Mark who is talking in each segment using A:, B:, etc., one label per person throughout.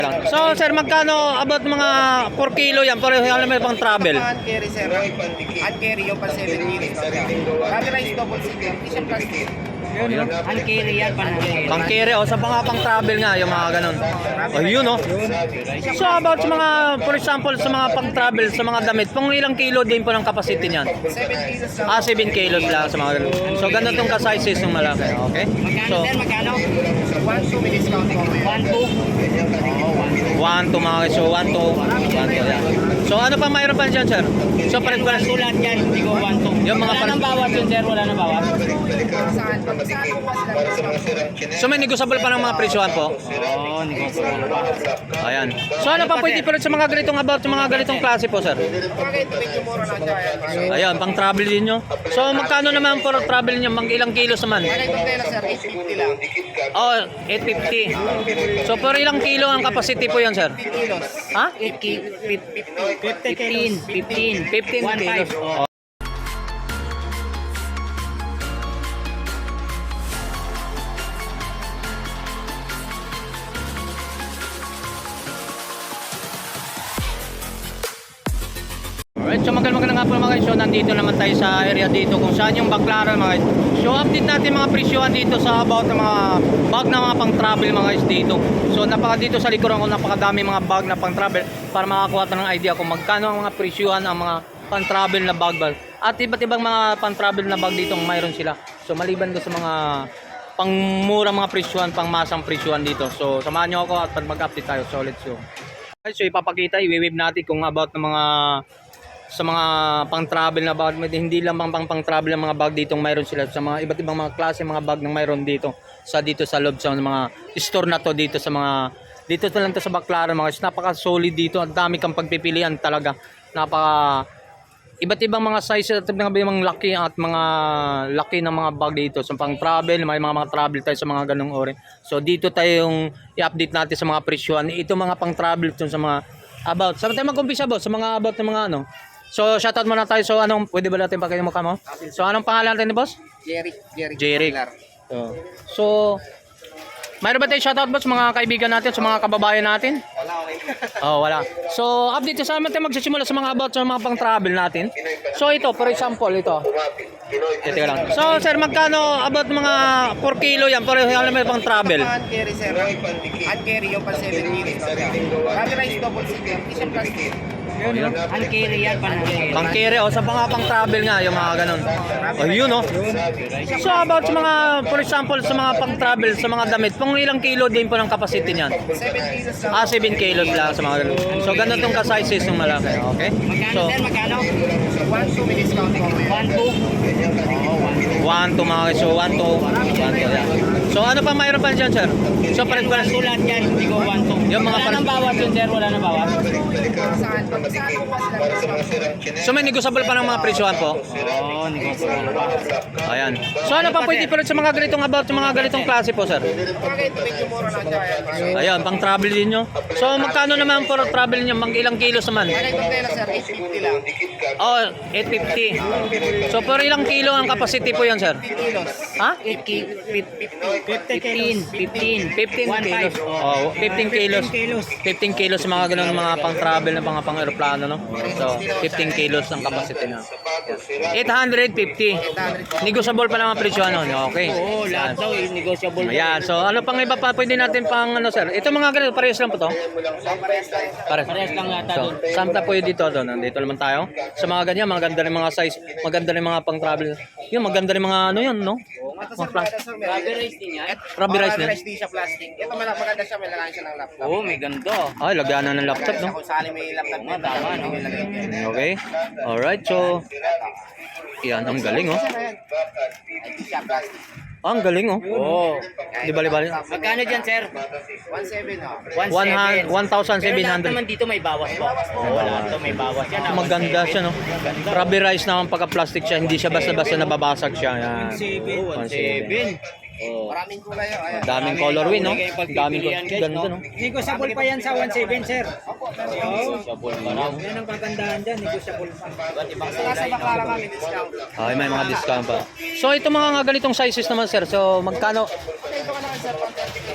A: So sir, magkano about mga 4 kilo yan? Pero alam mo pang travel.
B: Hand carry sir. Hand carry yung pa 7 kilos. Rubberized double seat. Hindi siya plastic.
C: Hand carry yan,
A: Pang carry o sa mga pang travel nga yung mga ganun. Oh, yun oh. So about sa mga, for example, sa mga pang travel, sa mga damit, pang ilang kilo din po ng capacity niyan?
B: 7 kilos lang.
A: 7 kilos lang sa mga ganun. So ganun tong ka-sizes ng malaki, okay?
C: Magkano
A: So
C: sir, magkano?
B: 1-2 may discount po.
C: 1-2.
A: 1 to mga so 1 to 1 to yan. So ano pa mayroon pa dyan sir? So pares
C: Wala sulat yan, hindi ko 1-2.
A: Yung mga
C: Wala nang bawas yun sir, wala nang bawas.
B: Saan? Pag saan po pa sila discount?
A: So may negotiable pa ng mga presyohan po?
C: Oo, negotiable pa.
A: Ayan. So ano pa pwede pero sa mga ganitong about sa mga ganitong klase po sir?
B: Bakit medyo mura na dyan?
A: Ayan, pang travel din nyo. So magkano naman for travel nyo? Mang ilang kilos naman?
B: Bakit itong tela sir? 850 lang.
A: Oh, 850. So per ilang kilo ang capacity po yan sir?
B: 15 kilos.
A: Ha?
C: 15
A: kilos. Oh. Alright, so magandang nga po mga guys. So nandito naman tayo sa area dito kung saan yung Baclaran mga guys. So update natin mga presyohan dito sa about ng mga bag na mga pang travel mga guys dito. So dito sa likuran ko napakadami mga bag na pang travel para makakuha tayo ng idea kung magkano ang mga presyohan ang mga pang travel na bag. At iba't ibang mga pang travel na bag dito mayroon sila. So maliban do sa mga pangmurang mga presyohan, pangmasang presyohan dito. So samahan nyo ako at mag-update tayo. So let's go. Okay, so ipapakita, i-wave natin kung about ng mga sa mga pang-travel na bag, hindi lang pang-travel ang mga bag dito mayroon sila sa mga iba't ibang mga klase mga bag ng mayroon dito sa loob sa mga store na to dito sa mga dito na lang to sa Baclaran mga napaka-solid dito, ang dami kang pagpipilian talaga, iba't ibang mga sizes at mga laki at mga laki ng mga bag dito sa pang-travel, may mga travel tayo sa mga ganung ori. So dito tayo yung i-update natin sa mga presyohan, ito mga pang-travel sa mga about, saan tayo mag-umpisa boss? Sa mga about ng mga ano. So shoutout muna tayo. So anong pwede ba natin pakita yung mukha mo? So anong pangalan natin ni boss? Jerry. So mayroon ba tayo shoutout boss mga kaibigan natin, sa mga kababayan natin?
B: Wala, okay.
A: Oh, wala. So update sa amin tayo magsisimula sa mga about sa mga pang-travel natin. So ito, for example, ito. Ito lang. So sir, magkano about mga 4 kilo yan? Pero alam mo pang travel.
B: Hand carry sir. Hand carry yung pa 7 kilos. Rubberized double seat. Hindi siya plastic.
C: Hand carry yan,
A: Pang carry o sa mga pang travel nga yung mga ganun. Oh, yun oh. So about sa mga for example sa mga pang travel sa mga damit, pang ilang kilo din po ng capacity niyan?
B: 7 kilos lang.
A: 7 kilos lang sa mga ganun. So ganun tong ka-sizes ng malaki, okay?
C: Magkano
A: So
C: sir, magkano?
B: 1-2 may discount po.
C: 1-2.
A: 1 to mga so 1 to yan. So ano pa mayroon pa dyan sir? So pares
C: Wala sulat yan, hindi ko 1-2.
A: Yung mga
C: Wala nang bawas yun sir, wala nang bawas.
B: Saan? Pag saan po pa sila discount?
A: So may negotiable pa ng mga presyohan po?
C: Oo, negotiable pa.
A: Ayan. So ano pa pwede pero sa mga ganitong about sa mga ganitong klase po sir?
B: Bakit medyo mura na dyan?
A: Ayan, pang travel din nyo. So magkano naman for travel nyo? Mang ilang kilos naman?
B: Bakit itong tela sir? 850 lang.
A: Oh, 850. So per ilang kilo ang capacity po yan sir?
B: 15 kilos.
A: Ha?
C: 15
A: kilos. Oh, 15 kilos. 15 kilos sa mga ganun mga pang-travel na pang-aeroplano, no? So, 15 kilos ang capacity na. 850. Negotiable pa naman presyo ano. Okay.
C: Oo, lahat daw is negotiable.
A: Ayan. So, ano pang iba pa pwede natin pang ano sir? Ito mga ganito, parehas lang po to? Parehas.
C: Parehas lang yata
A: So,
C: doon.
A: samta po yun dito. Nandito naman tayo. Sa mga ganyan, maganda rin mga size. Maganda rin mga pang-travel. Yun, maganda rin mga ano yun, no?
B: Ito sir, maganda sir.
C: Rubberized din yan?
A: Rubberized din.
B: Rubberized din siya plastic. Ito maganda siya, may lagayan siya ng laptop.
C: Oo, may ganda.
A: Ay, lagyan na ng laptop, no?
B: Kung saan may laptop na
C: Tama, no?
A: Okay. Alright, so yan, ang galing oh.
B: Hindi siya plastic.
A: Ah, ang galing oh.
C: Oo.
A: Di bali-bali.
C: Magkano dyan sir?
B: 1.7 oh.
C: 1,700. Pero lahat
A: 1,700.
C: naman dito may bawas po. Oo, lahat to may bawas yan.
A: So, maganda siya, no? Rubberized naman pagka-plastic siya. Hindi siya basta-basta nababasag siya. Yan.
C: 1,700. Oh.
B: Maraming kulay oh. Ayan.
A: Daming color win, no? Daming ganda, no?
D: Negotiable pa yan sa 1.7 sir.
C: Negotiable pa raw.
D: Yan ang kagandahan dyan, negotiable pa.
C: Iba't ibang
B: Basta nasa
C: kulay, no?
B: Baclaran kami discount.
A: Ay, may mga discount pa. So, ito mga ganitong sizes naman, sir. So, magkano?
B: Ito ka naman sir, 130.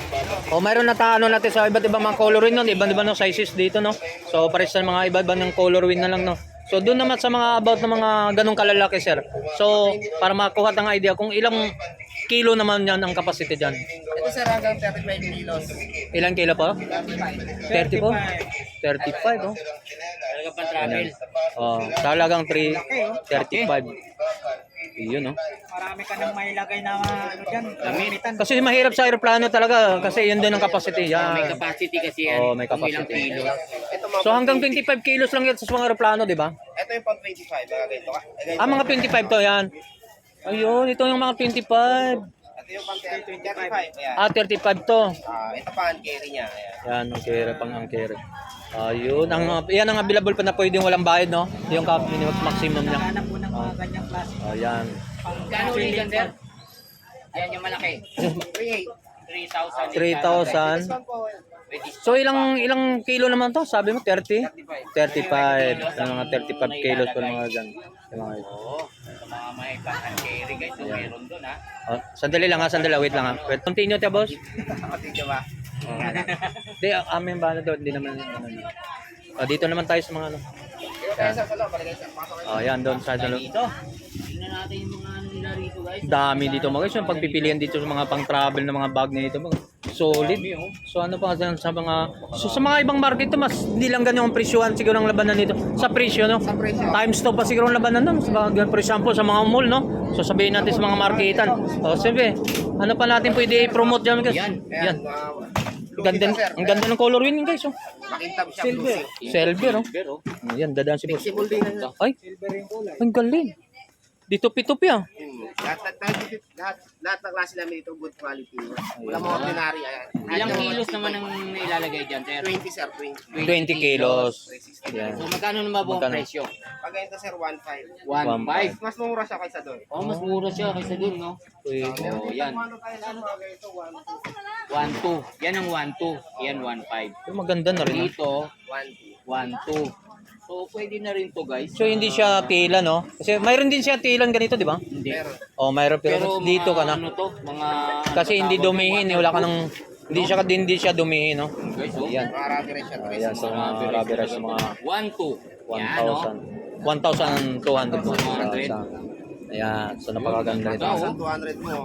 A: O mayroon na taano natin sa iba't ibang mga coloring nun, iba't ibang sizes dito, no? So pares sa mga iba't ibang coloring na lang, no? So doon naman sa mga about ng mga ganong kalalaki, sir. So para makuha tang idea kung ilang kilo naman yan ang capacity dyan.
B: Ito sir, hanggang 35 kilos.
A: Ilang kilo po? 30 po? 35, oh.
C: Talaga pang travel.
A: Oh, talagang 35. Yun, no?
D: Marami ka nang mailagay na ano dyan, gamitan.
A: Kasi mahirap sa aeroplano talaga kasi yun din ang capacity.
C: May
A: Yan.
C: capacity kasi yan.
A: Oo, may
C: Kung ilang
A: capacity.
C: kilos.
B: Ito mga
A: So hanggang 25 kilos lang yan sa mga aeroplano, di ba?
B: Ito yung pang 25, mga ganito ka.
A: Ah, mga 25 to yan. Ayun, ito yung mga 25.
B: Ito yung pang 35, ayan.
A: Ah, 35 to.
B: Ito pa ang carry niya, ayan.
A: Yan, ang kere, pang ang kere. Ayun, yan ang available pa na pwedeng walang bayad, no? Yung minimum maximum niya.
D: Hanap mo ng mga ganyang klase.
A: Ayan.
C: Kano ulit yan, sir? Ayan yung malaki.
B: 3,800.
A: 3,000.
B: This one po,
A: So ilang kilo naman to? Sabi mo 30? 35. Yung mga 35 kilos po mga dyan. Yung mga ito.
C: Oo. Sa mga may pang-carry guys, so meron doon ha.
A: Oh, sandali lang ha, sandali. Wait lang ha. Wait, continue tayo, boss.
B: kapatid ba?
A: Hindi, amin ba na doon? Hindi naman. Dito naman tayo sa mga ano.
B: Ito tayo sa salo, palagay sa pasok.
A: Yan, doon sa dalo.
C: Dito. Tingnan natin yung mga ano nila rito guys.
A: Dami dito mga guys. Yung pagpipilian dito sa mga pang-travel na mga bag nito. Solid. So ano pa sa mga sa mga ibang market to mas hindi lang ganyan ang presyuhan siguro ng labanan nito. Sa presyo, no?
B: Sa presyo.
A: Times 2 pa siguro ang labanan nun. For example, sa mga mall, no? So sabihin natin sa mga marketan. O sige, ano pa natin pwede i-promote dyan guys?
C: Yan.
A: Yan. Ganda, ang ganda ng color yun guys. Oh.
B: Makintab siya.
D: Silver.
A: Silver, oh.
C: Pero,
A: Yan, dadaan si boss.
B: Flexible din yan.
A: Ay,
D: Silver yung kulay.
A: ang galing. Dito pitupi ah.
B: Lahat ng klase namin dito, good quality. Wala mga ordinary. Ayan.
C: ilang kilos naman ang ilalagay dyan, sir?
B: 20 sir, 20.
A: 20 kilos. Yan.
C: So magkano naman ba ang
A: Magkano?
C: presyo?
B: Pag ganito sir, 1.5.
C: 1.5.
B: Mas mura siya kaysa doon.
C: Oh, mas mura siya kaysa dun, no? Oh, yan.
B: Ano tayo sa mga ganito,
C: 1.2. Yan ang 1.2. Yan 1.5.
A: Pero maganda na rin. Ah.
C: Dito,
B: 1.2.
C: 1.2. So, pwede na rin to guys.
A: So hindi siya tila, no? Kasi mayroon din siya tilan ganito, di ba?
C: Hindi.
B: Meron.
A: Oh, mayroon pero,
C: Pero
A: dito ka
C: mga
A: na.
C: Ano to? Mga...
A: Kasi hindi dumihin, wala ka nang hindi siya dumihin, no?
C: Guys, oh.
A: Ayan.
B: Mga rubber rin siya.
A: Ayan, sa mga rubber sa mga
C: 1.2. Yan, no?
A: 1,200 po. Ayan, so napakaganda nito.
B: 1,200 mo.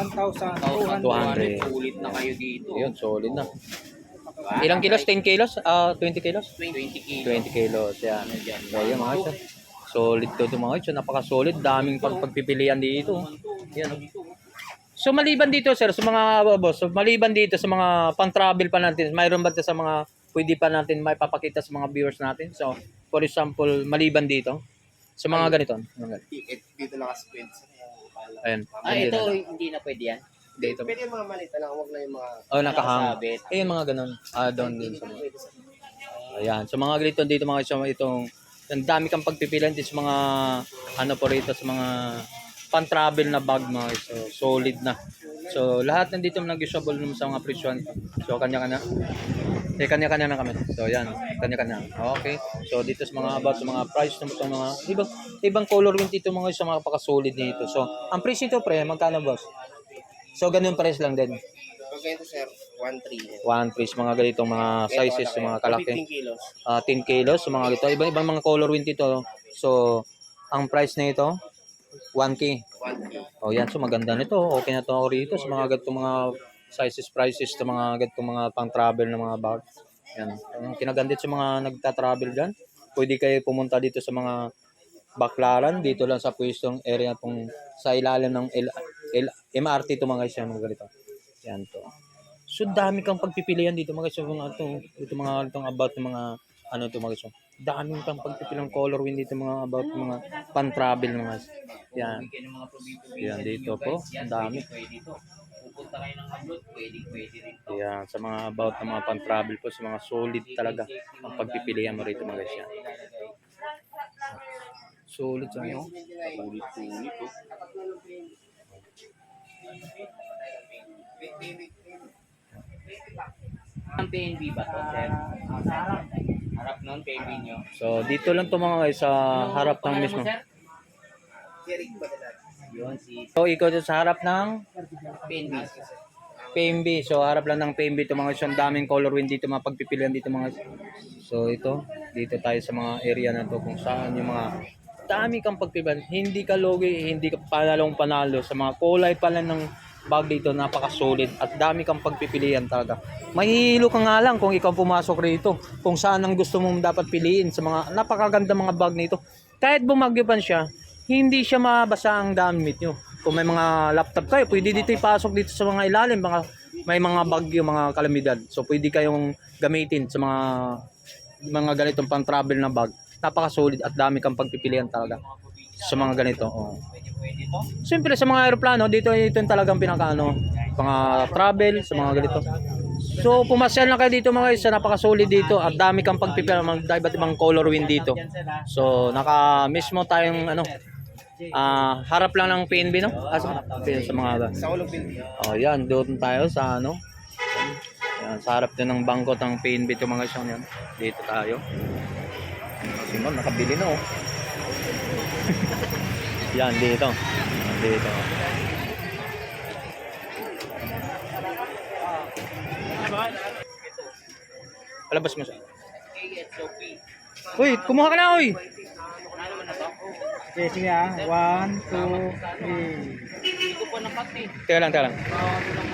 D: 1,200.
A: 200.
C: Ulit na kayo dito.
A: Ayun, solid na.
C: Diba?
A: Ilang kilos? 10 kilos? 20 kilos?
C: 20 kilos.
A: 20 kilos, yan. So, yun mga ito. Solid to mga ito. Napaka-solid. Daming pagpipilian dito. Yan. So, maliban dito, sir, sa mga boss, so, maliban dito sa mga pang-travel pa natin, mayroon ba sa mga pwede pa natin may papakita sa mga viewers natin? So, for example, maliban dito, sa mga ganito.
B: Dito lang kasi pwede.
A: Ayan.
C: Ito, hindi na pwede yan.
A: Dito.
B: Pwede yung mga malita lang, huwag lang yung mga...
A: Oh, nakahang.
C: Nakasabit.
A: Ayun, mga ganun. Down din sa mga. Ayan. So, mga ganito dito, mga itong, ang dami kang pagpipilian din sa mga, ano po rito, sa mga pan-travel na bag, mga so, solid na. So, lahat nandito nag-usable naman sa mga presyon. So, kanya-kanya. Kanya-kanya na kami. So, yan. Kanya-kanya. Okay. So, dito sa mga about sa mga price naman sa mga ibang color yung dito mga sa mga paka-solid dito. So, ang price nito, pre, magkano, boss? So, ganun price lang din.
B: Pag ganito sir, 1.3.
A: One price, mga ganitong mga sizes, sa mga kalaki.
B: 15 kilos.
A: 10 kilos, sa mga ganito. Ibang mga color wind dito. So, ang price na ito, 1K.
B: 1K.
A: O yan, so maganda nito. Okay na to ako rito sa mga ganitong mga sizes, prices, sa mga ganitong mga pang-travel na mga bag. Yan. Ang kinagandit sa mga nagta-travel dyan, pwede kayo pumunta dito sa mga Baklaran, dito lang sa pwestong area pong sa ilalim ng MRT to mga guys, yan, mga ganito. Yan to. So dami kang pagpipilian dito mga guys, mga ito mga itong about ng mga ano to mga guys. Dami kang pagpipilian color wind dito mga about mga pan-travel mga guys. Yan. Yan dito po, ang dami.
C: Pwede to. Pupunta kayo ng abroad, pwede rin to.
A: Yan, sa mga about ng mga pan-travel po, sa mga solid talaga ang pagpipilian mo rito mga guys. Yan. Solid sa ano?
C: Ulit-ulit to. Ang PNB ba to, sir? Harap nun, PNB nyo.
A: So dito lang to mga guys sa harap ng
C: Pangalan
A: mismo.
C: mo, sir?
B: Jeric ba nila?
C: Yun, si
A: So ikaw dito sa harap ng
C: PNB.
A: PMB. So harap lang ng PMB ito mga guys. Ang daming color wind dito, mga pagpipilian dito mga guys. So ito, dito tayo sa mga area na to kung saan yung mga dami kang pagpipilian. Hindi ka logi, hindi ka panalong panalo sa mga kulay pala ng bag dito, napaka-solid at dami kang pagpipilian talaga. Mahihilo ka nga lang kung ikaw pumasok rito, kung saan ang gusto mong dapat piliin sa mga napakaganda mga bag nito. Kahit bumagyo pa siya, hindi siya mabasa ang damit nyo. Kung may mga laptop kayo, pwede dito ipasok dito sa mga ilalim, may mga bagyo, mga kalamidad. So pwede kayong gamitin sa mga ganitong pang travel na bag. Napaka-solid at dami kang pagpipilian talaga sa mga ganito. Oh. Siyempre sa mga aeroplano, dito yung talagang pinakaano, mga travel, sa mga ganito. So pumasyal na kayo dito mga isa, napaka-solid dito at dami kang pagpipilian, mga iba't ibang color wind dito. So mismo tayong harap lang ng PNB, no? Sa mga
B: Sa ulog building.
A: oh, yan, doon tayo sa ano. Yan, sa harap din ng bangkot ng PNB ito mga isang yan. Dito tayo. Si Ma'am, nakabili na oh. Yan, dito. Dito. Palabas mo siya. Uy, kumuha ka na, uy!
D: Okay, sige ah. 1, 2, 3.
C: Hindi ko po napakti.
A: Teka lang.